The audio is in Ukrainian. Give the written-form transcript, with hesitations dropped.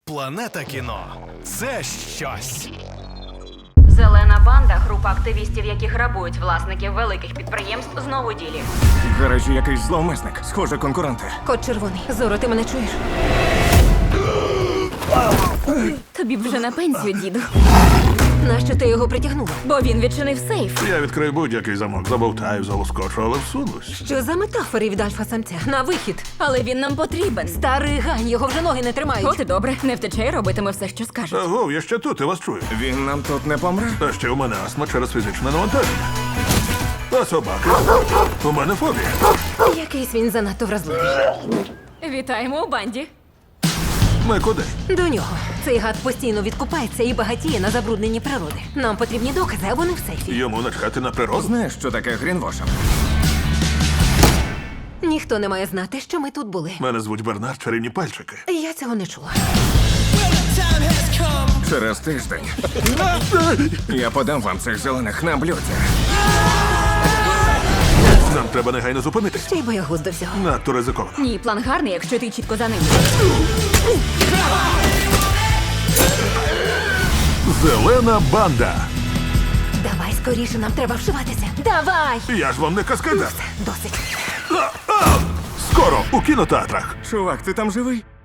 Планета кіно – це щось. Зелена банда – група активістів, які грабують власників великих підприємств, знову ділі. В гаражі якийсь зловмисник. Схоже, конкуренти. Кот червоний. Зоро, ти мене чуєш? Тобі б вже на пенсію, діду. Нащо ти його притягнула? Бо він відчинив сейф. Я відкрию будь-який замок, забовтаю, залоскочу, але всунусь. Що за метафори від альфа-самця? На вихід. Але він нам потрібен. Старий гань, його вже ноги не тримають. От і добре, не втече і робитиме все, що скаже. Аго, я ще тут, я вас чую. Він нам тут не помре? Та ще у мене астма через фізичне навантаження. А собаки? У мене фобія. Якийсь він занадто вразливий. Вітаємо у банді. Ми куди? До нього. Цей гад постійно відкупається і багатіє на забрудненні природи. Нам потрібні докази, а вони в сейфі. Йому начхати на природу? Знаєш, що таке грінвошинг? Ніхто не має знати, що ми тут були. Мене звуть Бернард, чарівні пальчики. Я цього не чула. Через тиждень я подам вам цих зелених на блюдці. Нам треба негайно зупинитись. Ще й боягуз до всього. Надто ризиковано. Ні, план гарний, якщо ти чітко за ним. Зелена банда. Давай скоріше, нам треба вшиватися. Давай! Я ж вам не каскадер. Досить. Скоро у кінотеатрах. Чувак, ти там живий?